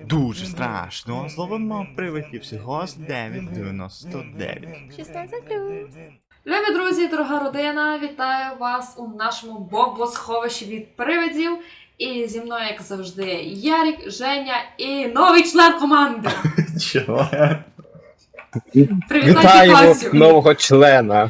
дуже страшно. Зловимо привидів всього з 9,99. 16+. Любі друзі, дорога родина, вітаю вас у нашому бомбосховищі від привидів. І зі мною, як завжди, Ярік, Женя і новий член команди. Чого? Привітайте Вітаємо Катю. нового члена.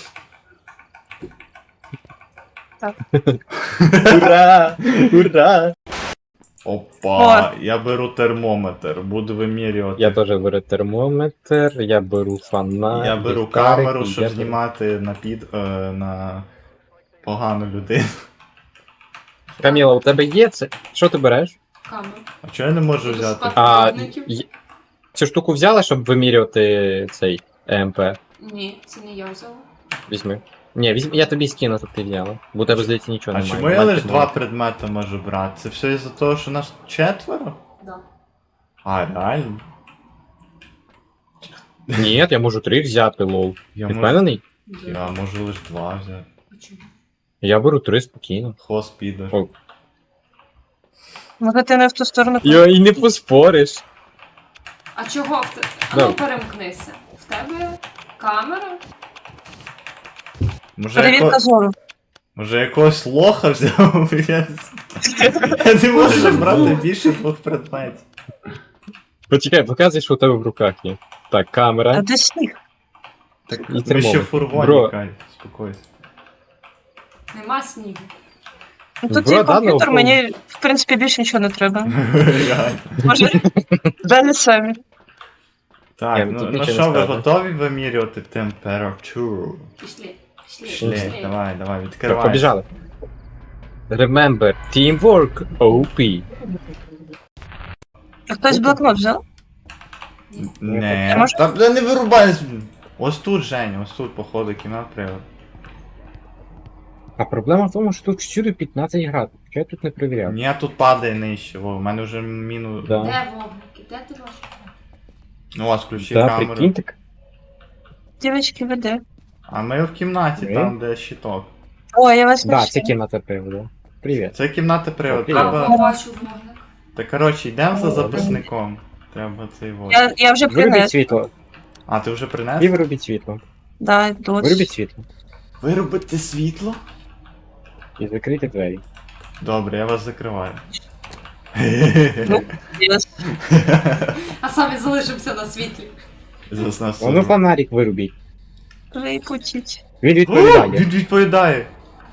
Так. Ура! Ура! Опа, я беру термометр, буду вимірювати. Я теж беру термометр, я беру фонарик. Я беру ліхтарик, камеру, і щоб я знімати на погану людину. Каміла, у тебе є це? Що ти береш? Камеру. А чого я не можу Буду взяти? шукати А, виробників. Цю штуку взяла, щоб вимірювати цей ЕМП? Ні, це не я взяла. Візьми. Ні, візьми, я тобі скину, щоб ти взяла. Бо у тебе, здається, нічого А немає. чому я Мать лише ти два мала. предмети можу брати? Це все із-за того, що нас четверо? Да. А, реально? Ні, я можу 3 взяти, лол. Я Ти можу, впевнений? я можу лише 2 взяти. Почему? Я беру 3 спокійно. Хвост піде. О. Може ти не в ту сторону Йо, і не поспориш. А чого в тебе? Да. Ну, перемкнися. В тебе камера? перевірка зору. Може якогось лоха взяв? Я не можу брати більше 2 предметів. Почекай, показуй, що у тебе в руках є. Так, А камера. де сніг? Так, І ми ще термометр. в фургоні, Бро. Кай, спокойся. Нема снігу. Ну тут Бро, є да, комп'ютер, ну, мені в принципі більше нічого не треба. Реально. Може, далі самі. Так, Ні, ну, тут ну нічого що, не ви скажеш. готові вимірювати температуру? Пішли. Пішли, давай, Так, відкривай. побіжали. Remember, teamwork OP. А хтось блокнот взяв? Не, Може- та не вирубай. Ось тут, Женя, ось тут, походу, кімнат привод. А проблема в тому, що тут всюди 15 градусів. Я тут не перевіряв. Ні, тут падає нижче, во, в мене вже мінус. Да. Де вогники? Де ти бачиш? Ну, у вас включи Да, камеру. прикинь так. Дівчатки, веде. А ми в кімнаті, Ми? там, де щиток. О, я вас Да, бачу. це кімната приводу. Привіт. Це кімната привод. Привіт. Треба. Побачу вогник. Та коротше, йдемо за О, записником. Треба цей вот. Я вже Вирубіть принес. світло. А, ти вже І принес? вирубіть світло. Да, дощ. Вирубіть світло. Виробити світло? І закрийте двері. Добре, я вас закриваю. Ну. Yes. А самі залишимося на світлі. Заснав О, ну фонарик вирубіть. Випутіть. Він О, відповідає. він відповідає.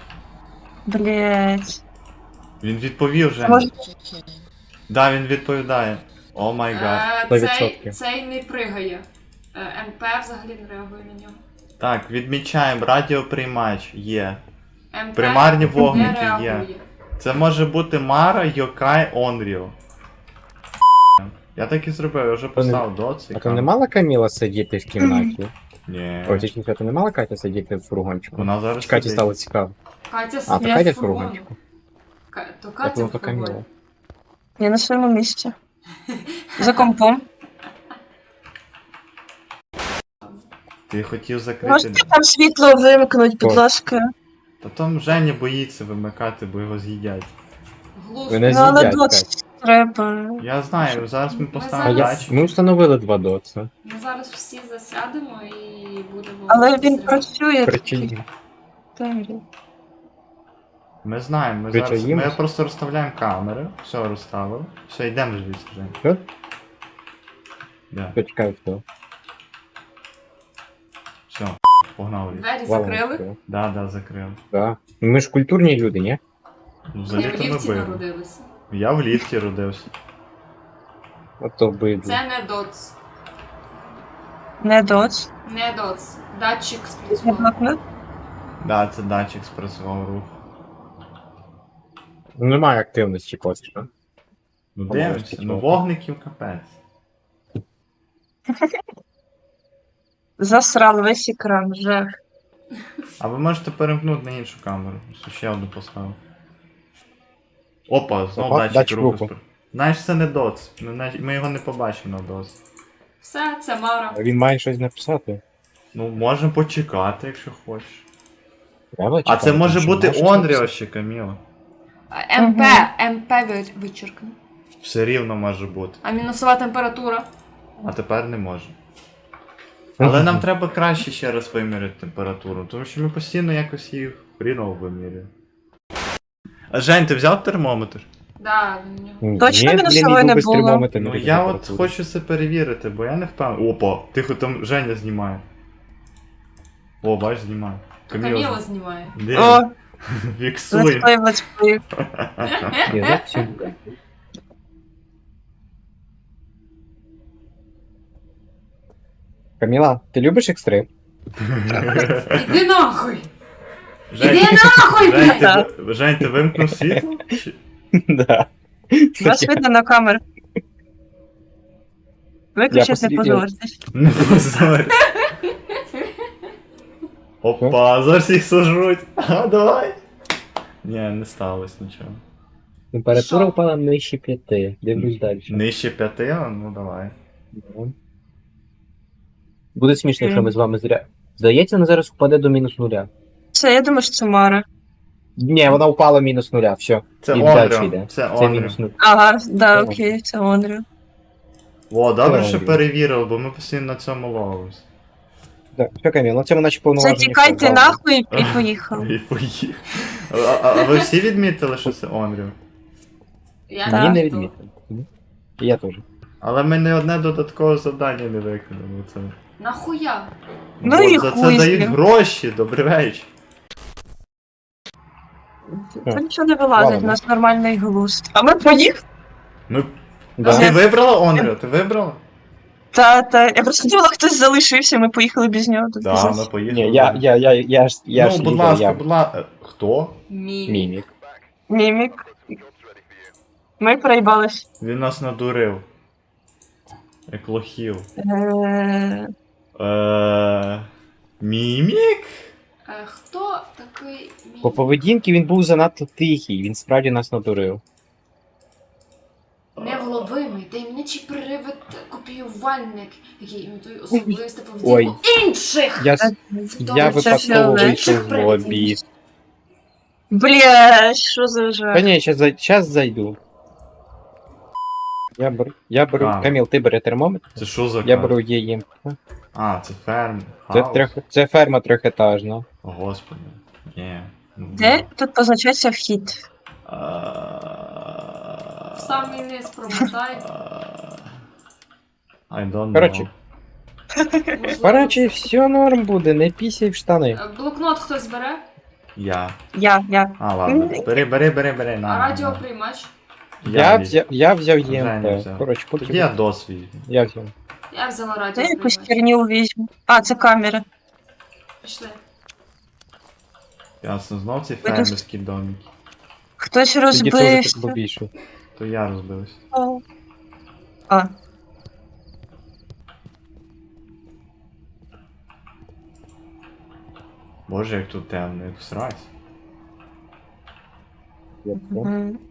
Блять. Він відповів вже. Може, Да, він відповідає. О май гад. Цей 100%. не пригає. МП взагалі не реагує на нього. Так, відмічаємо, радіоприймач є. МП Примарні не вогники є. реагує. Це може бути Мара, Йокай, Онріо. Я так і зробив, я вже поставив доц. А то не мала Каміла сидіти в кімнаті? Ні. Ой, точніше, то не мала Катя сидіти в фургончику? Вона зараз Чи Каті сидить. стало цікаво. Катя А, то сидить Катя в в фургончику. То Я Катя думав, в то Каміла. фургоні. я на своєму місці. За компом. Ти хотів закрити. Можете там світло вимкнуть, будь О. ласка. Та там Женя боїться вимикати, бо його з'їдять. Глузд. Ви не Ну, але з'їдять, дощ Катя. треба. Я знаю, зараз ми А поставимо я... датчик. Ми встановили 2 доца. Ми зараз всі засядемо і будемо. Але він спостерігати. працює. Причині. Темрі. Ми знаємо, ми Ви зараз. що, їмось? Ми просто розставляємо камери. Все розставили. Все, йдемо звідси вже. Що? Да. Почекай, хто. Все, погнали. Двері Валом закрили. хто. Да, закрив. Да. Ми ж культурні люди, ні? Ну, Я взагалі в то ми ліфті били. народилися. Я в ліфті родився. Ото бидло. Це не доц. Не доц. Не доц. Датчик Не спрацював. блокнот. Да, це датчик спрацював рух. Немає активності поки. Ну О, дивимося, скільки ну вогників. вогників капець. Засрав весь екран, жах. А ви можете перемкнути на іншу камеру. Ось ще одну поставив. Опа, знову Опа, датчик датчик руху. руху. Знаєш, це не доц. Ми його не побачимо на доц. Все, це Мара. Він має щось написати. Ну, можемо почекати, якщо хочеш. Треба А чекати, це може що бути має щось Онріо написати. ще, Каміла. МП вичеркну. Все рівно може бути. А мінусова температура? А тепер не може. Але нам треба краще ще раз виміряти температуру, тому що ми постійно якось її хріново вимірюємо. А Жень, ти взяв термометр? Да, він у нього. Точно Ні, мінусової блін, не йду без було? термометра, Ну не я от температури. хочу це перевірити, бо я не впевнений. Опа, тихо, там Женя знімає. О, бач, знімає. Каміла знімає. Де? О, Фіксуй. летсплей, летсплей. Ні, ну, все. Каміла, ти любиш екстрим? Іди нахуй! Жень, Іди нахуй, Жень, блядь! Жень, ти вимкнув світло? Чи- Да. Вас видно на камеру. Виключити не посидів. позоритесь. Не позорь. Опа, зараз їх сожруть. А, давай. Ні, не сталося нічого. Температура Що? впала нижче 5. Дивлюсь далі. Нижче 5, ну давай. Ну. Буде смішно, якщо ми з вами зря. Здається, вона зараз впаде до мінус нуля. Це, я думаю, що це Мара. Ні, вона впала мінус нуля, все. Це І далі Онріо. йде. Це Це Онріо. мінус нуль. Ага, да, Це окей, це Онріо. О, добре, Це що Онріо. перевірили, бо ми постійно на цьому ловились. Так, все, Каміл, на цьому наче повноваження. Затікайте все, нахуй і поїхали. І поїхав. А ви всі відмітили, що це Онріо? Я Мені не не відмітила. відмітили. І я теж. Але ми не одне додаткове завдання не виконали. Це... Нахуя? Ну Бо і за хуй це з дають ним. гроші, добрий вечір. Та нічого не вилазить, у Ладно. нас нормальний глузд. А ми поїхали? Ми... Да. А ти вибрала Онріо? Ти вибрала? Та. Я просто думала, хтось залишився, ми поїхали без нього. Тут Так, пиздець. ми поїхали. Ні, я Ну, ж будь лідер, ласка, я будь ласка. Хто? мімік. Мімік. Ми проїбались. Він нас надурив. Як лохів. Мімік? Хто такий По поведінці він був занадто тихий, він справді нас надурив. невловимий, таємничий привид копіювальник, який імітує особисту Ой. поведінку інших? Я, я Це випадково фіолет. вийшов з лобі. Бля, що за Та жах. ні, щас зайду. Я беру. А. Каміл, ти бери термометр. Це що за Я карта? беру її. А, це ферм. Це, Хаус. це ферма трьохетажна. О, Господи. Ні. Де тут позначається вхід? В самий низ промотай. I don't know. Коротше. Можливо. Коротше, все норм буде, не пісяй в штани. Блокнот хтось бере, Я. Я. А, ладно. Бери, на. а на. радіоприймач. Я взяв Женя ЄМП. взяв. Коротше, Тоді поки. я дос візьму. Я взяв. Я взяла Це якусь радіоприймач. херню візьму. А, це камера. Пішли. Ясно, знов ці тут- фермерські домики. Хтось Тоді це вже так розбився. було більше. То я розбився. А, Боже, як тут темно, як всрать. мгм.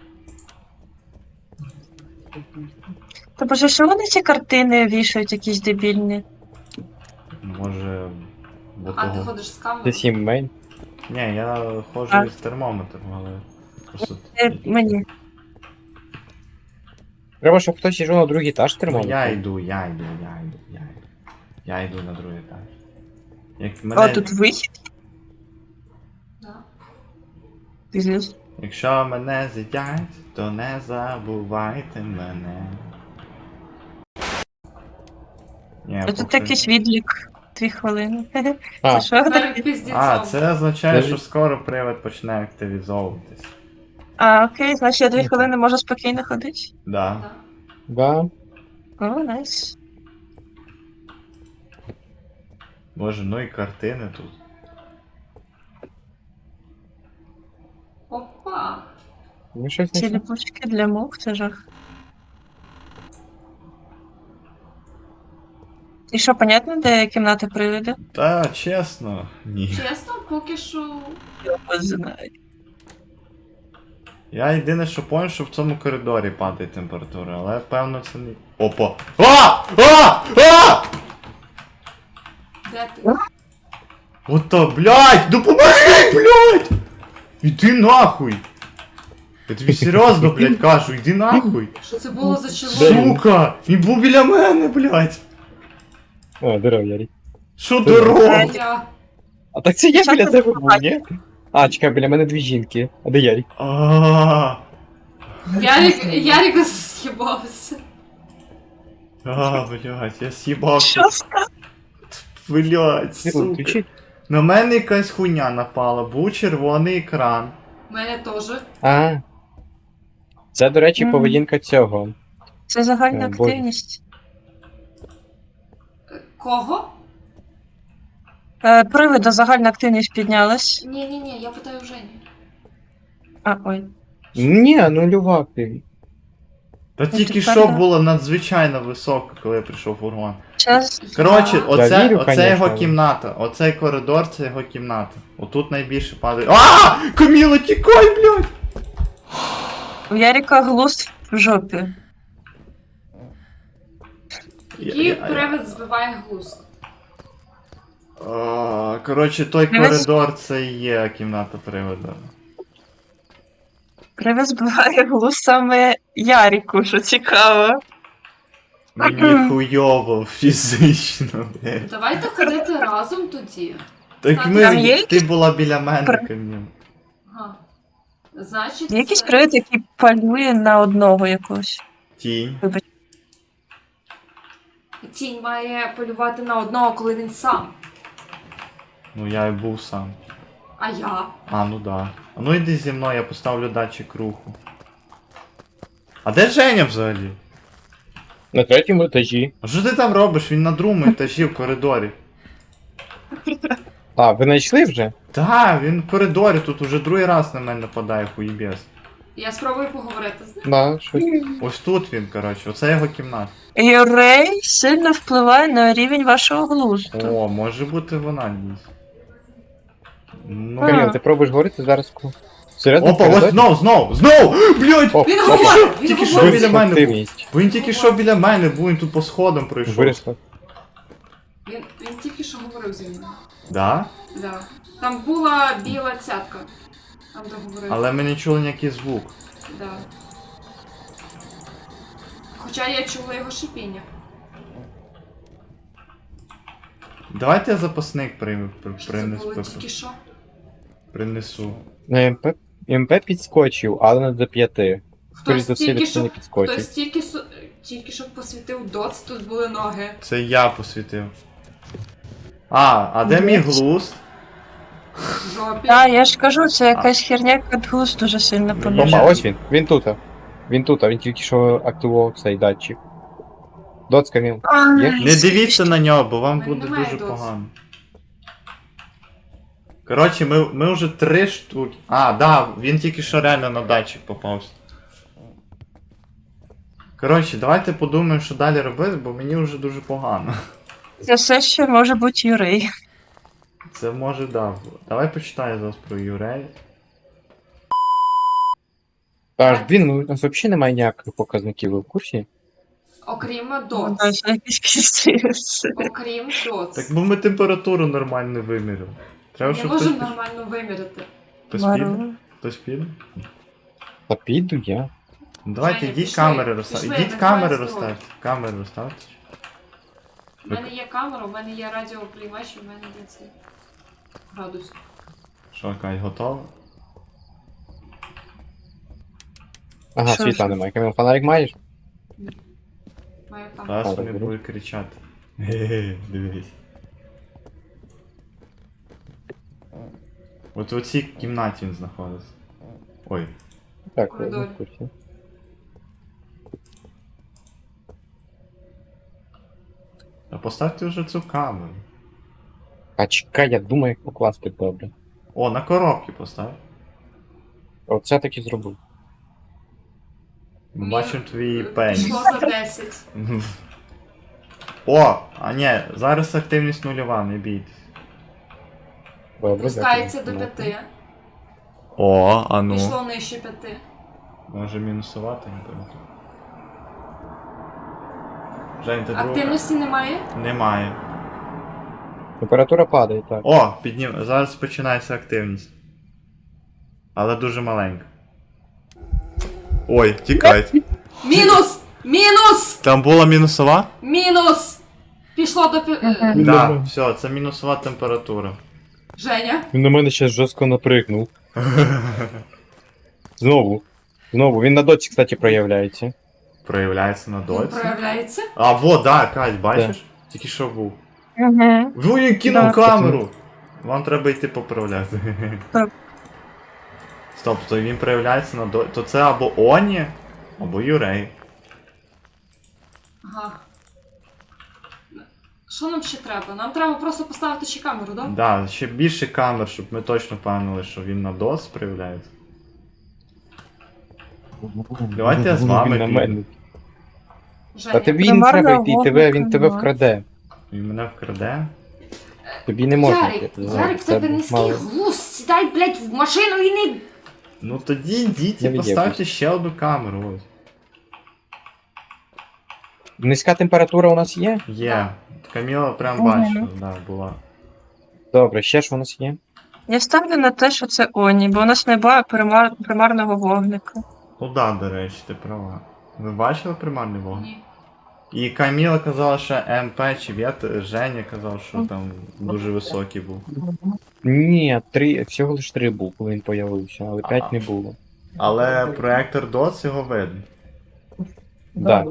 Та боже, що вони ці картини вішають якісь дебільні? Може. Бо А ти того. ходиш з Це камерою? 7 мейн. Ні, я ходжу А. із термометром, але. Просто. Мені. Треба, щоб хтось йшов на другий етаж Ну, термометр. я йду. Я йду на другий етаж. Як А, мене, тут вихід. Да. Пиздец. Якщо мене з'їдять, то не забувайте мене. Ні, А тут поки- якийсь відлік. 2 хвилини. А, Це що таке? Перед піздецом. А, це означає, Це що ж- скоро привид почне активізовуватись. А, окей, значить я 2 хвилини можу спокійно ходити. Да. Да. да. О, найс. Боже, ну і картини тут. Опа. Ну щось Ці не ліпучки для мух, це жах. І що, понятно, де кімната привида? Та чесно, ні. Чесно, поки що. Я знаю. Я єдине, що понял, що в цьому коридорі падає температура, але певно це не. Опа! А! Де ти? Ото, блядь! Допоможи, блядь! Іди нахуй! Я тобі серйозно, блядь, кажу, йди нахуй. Що це було за чоловік? Сука! Він був біля мене, блядь. О, здорово, Ярик. Що дорога? Я. А так це я Що біля ти тебе був, ні? А, чекай, біля мене дві жінки. А де Ярик? Ярик з'їбався. Блядь, я з'їбався. Що сказав? Блядь, Світло сука. включить? На мене якась хуйня напала, був червоний екран. У мене теж. А. Це, до речі, Мгм. поведінка цього. Це загальна Боже. активність. Кого? Привида загальна активність піднялась. Ні, я питаю Жені. А, ой. Ні, нульова активність. Та Ну, тільки тепер що да. було надзвичайно високо, коли я прийшов в фургон. Час. Коротше, Я- оце вірю, його конечно. кімната. Оцей коридор це його кімната. Отут найбільше падає. Каміла, тікай, блядь! У Ярика глузд в жопі. Який привид збиває глузд? Коротше, той Привид- коридор це і є кімната привода. Привид збиває глузд саме Ярику, що цікаво. Мені хуйово фізично, блядь. Давайте ходити разом тоді. Так Там ми, є ти була біля мене, При- Каміл. Ага. Значить, Є якийсь це- привид, який палює на одного якогось. Тінь. Тінь має полювати на одного, коли він сам. Ну я і був сам. А я? Ну да. А ну йди зі мною, я поставлю датчик руху. А де Женя взагалі? На третьому етажі. А що ти там робиш? Він на другому етажі в коридорі. А, ви знайшли вже? Та, він в коридорі, тут уже другий раз на мене нападає хуєбес. Я спробую поговорити з ним. Да, щось. Ось тут він, коротше, оце його кімната. Юрей сильно впливає на рівень вашого глузду. О, може бути вона дійсно. Ну. А. Каміл, ти пробуєш говорити зараз? Серйозно? Опа, ось знов! Блядь! Оп, Він опа. говорить! Він Тільки що говорить! біля мене був. Активність. Бо він тільки що біля мене був, він тут по сходам пройшов. Виросла. Він тільки що говорив зі мною. Да? Да. Там була біла цятка. Там де говорив. Але ми не чули ніякий звук. Да. Хоча я чула його шипіння. Давайте я запасник Що це було тільки що? принесу. На МП підскочив, але не до 5. Скоріше Хтось за все, тільки ніхто не що, підскочив. хтось тільки що посвітив доц, тут були ноги. Це я посвітив. А де мій глузд? В жопі. Так, я ж кажу, це якась херня, яка глузд дуже сильно Ну, Опа, понижує. ось він. Він тут. Він тільки що активував цей датчик. Доц, Каміл. Є? Не дивіться на нього, бо вам Мене буде немає дуже доц. погано. Коротше, ми вже 3 штуки. Да, він тільки що реально на датчик попався. Коротше, давайте подумаємо, що далі робити, бо мені вже дуже погано. Це все ще може бути Юрей. Це може да. Давай почитаю зараз про Юрея. Аж він, у нас взагалі немає ніяких показників, ви в курсі? Окрім Ну, доц. да, це якийсь піздець. Окрім доц. Так бо ми температуру нормально не виміряли. Треба, Не щоб можемо хтось нормально виміряти. піде. Мару. Хтось піде? Та піду я. Ну, давайте Женя, йдіть пішли, камери розставте. пішли, Ідіть не камери ховайся, розставте. Камери розставте. У мене є камера, у мене є радіоприймач, у мене є цей градус. Що, Кай, готово? Ага, Що світла ж? немає. Каміл, фонарик маєш? Маю там. Зараз Добре, вони беру. будуть кричати. Ге-ге, дивись. От у цій кімнаті він знаходиться. Ой. Так, я Коридор. не в курсі. А поставте вже цю камеру. А чекай, я думаю, як покласти добре. О, на коробки постав. Оце так і зробив. Ми бачимо твій Пішло пеніс. за 10. О, а ні, зараз активність нульова, не бійтесь. Добре, Пускається до дякую. 5. О, а ну. Пішло нижче 5. Може мінусувати, не пам'ятаю. Жень, ти друга? Активності немає? Немає. Температура падає, так. О, зараз починається активність. Але дуже маленька. Ой, тікать. Мінус! Мінус! Там була мінусова? Мінус! Пішло до Мгм. Да, все, це мінусова температура. Женя. Він на мене ще жорстко наприкнув. Знову. Знову. Він на доці, кстати, проявляється. Проявляється на Він доці. проявляється. А, во, да, Кать, бачиш? Тільки що був. Угу. Він кинув Да. камеру! Вам треба йти поправляти. Так. Стоп, то він проявляється на доці. То це або Оні, або Юрей. Ага. Що нам ще треба? Нам треба просто поставити ще камеру, да? Да, ще більше камер, щоб ми точно впевнили, що він на дос проявляється. Давайте я з вами Він на піду. мене. Женя. Та тобі не Примарна треба йти, він тебе вогника. вкраде. Він мене вкраде. Тобі не можна Ярик, йти. Ярик, в тебе низький глузд. Сідай, блядь, в машину і не... Ну тоді йдіть і Я поставте від'єбусь. ще одну камеру. Ось. Низька температура у нас є? Є. Каміла прям Мгм. бачила, да, була. Добре, ще ж у нас є? Я ставлю на те, що це Оні, бо у нас немає примарного вогника. Ну да, до речі, ти права. Ви бачили примарний вогонь? Ні. І Каміла казала, що МП чи Женя казав, що там дуже високий був. Ні, всього лиш 3 був, коли він появився, але 5 не було. Але проектор DOTS його видно. Да.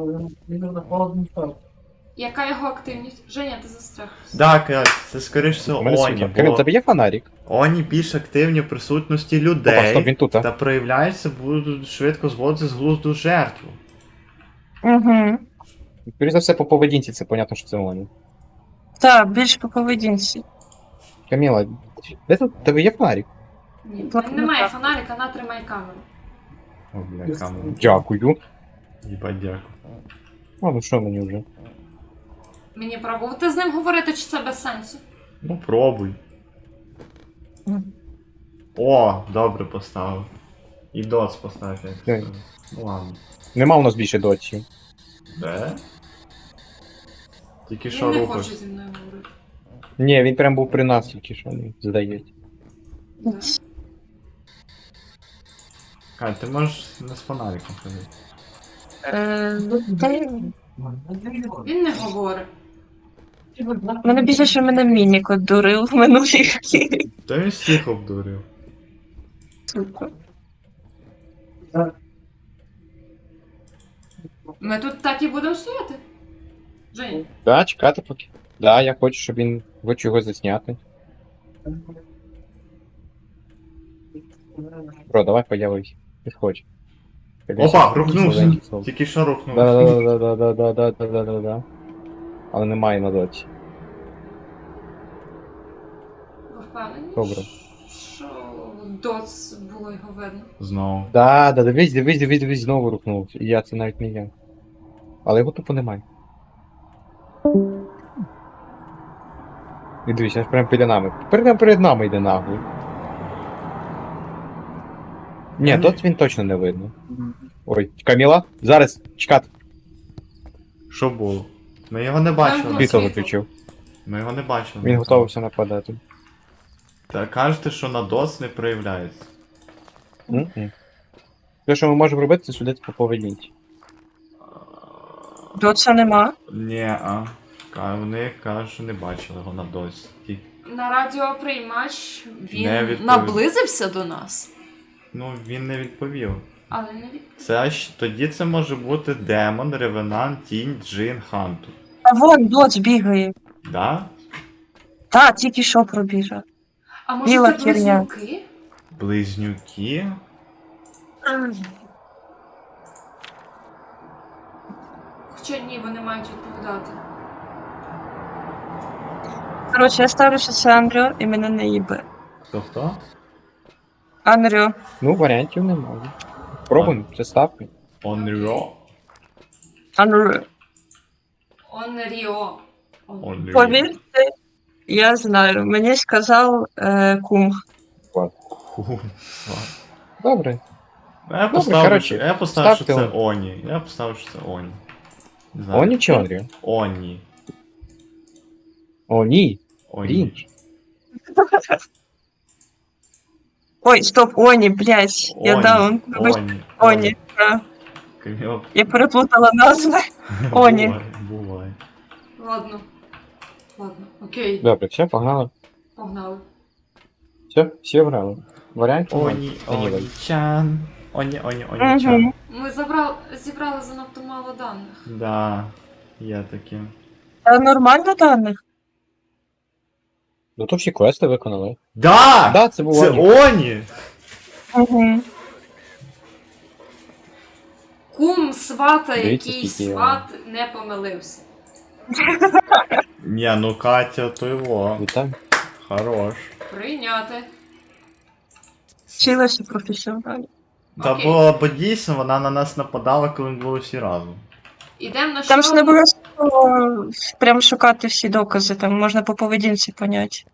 Яка його активність? Женя, ти застряг. Так, це скоріш У всього мене Оні, світло. Кирил, бо тебе є фонарик? Оні більш активні в присутності Опа, людей стоп, він тут, та а? проявляються, будуть швидко зводити з глузду жертву. Угу. Скоріше за все, по поведінці це понятно, що це вони. Так, більш по поведінці. Каміла, де тут? Тебе є фонарик? Ні, в Так, мене немає так. фонарика, на тримай камеру. О, бля, камера. Дякую. Їбать, дякую. А, ну що мені вже? Мені пробувати з ним говорити, чи це без сенсу? Ну пробуй. О, добре поставив. І DOTS поставив, як Ой. сказав. Ну ладно. Нема у нас більше доці. Де? Тільки що Він не рухався. хоче зі мною говорити. Ні, він прям був при нас тільки що, здається. Да. Кать, ти можеш не з фонариком ходити. Та Він не говорить. мене більше, що мене мінік одурив в минулій грі. Та він всіх обдурив. Сука. Ми тут так і будемо стояти. Жень, Да, чекати поки. Да, я хочу, щоб він хочу його засняти. Бро, давай появись. Підходь. Опа, рухнувся. Тільки що рухнувся. Да-да-да-да-да-да-да-да-да-да. Але немає на доці. ви впевнені? Добре. Що доц було його видно. Знову. Да, дивись, знову рухнувся. І я це навіть не я. Але його тупо немає. І дивись, аж прямо перед нами. Перед нами йде нагло. Ні, тут він точно не видно. Ой, Каміла, зараз, чекати. Що було? Ми його не бачили. Світло. Світло виключив. Ми його не бачили. Він готувався нападати. Та кажете, що на DOS не проявляється. Мгм. Те, що ми можемо робити, це судити по поведінці. Доца нема. Ні, вони кажуть, що не бачили його на DOS. На радіоприймач Не він відповів. наблизився до нас, Ну, він не відповів. але не від... Тоді це може бути демон, ревенант, тінь, джин, ханту. А вон доц бігає. Да? Та, тільки що пробіжав. А може Біла це херня. близнюки? Близнюки? Хоча ні, вони мають відповідати. Коротше, я ставлю, що це Анріо і мене не їбе. Хто? Анріо. Ну, варіантів немає. Пробуємо, це ставки. Onryo? Анріо. Онріо. Onryo. Повірте, я знаю. Мені сказав кум. Ху. Добре. Я поставив, коротше, я поставив, що це ставте Оні. Я поставив, що це Оні. Не знаю. Оні чи Онріо? Оні. О, ні. Оні. Рінч. Ой, стоп, Оні, блядь. Я Оні. даун. Оні. Оні. А, Кльово. я переплутала назви. Оні. Буває. Ладно. Ладно, окей, Добре, все, погнали. погнали. Все, всі обрали. Варіантів ноль. Оні, Anyway. оні-чан. Оні-чан. Угу. Ми зібрали занадто мало даних. Да, є таке. Нормально даних? Ну то всі квести виконали. Да! Да, це був Це Оні. Оні! Угу. Кум свата, Дивіться, який скільки я- сват не помилився. Ні, ну Катя, то його. Вітаю. Хорош. Прийняти. Вчилася професіонально. Та Окей. бо дійсно вона на нас нападала, коли ми були всі разом. Ідемо на Там ж не що? обов'язково прям шукати всі докази, там можна по поведінці поняти.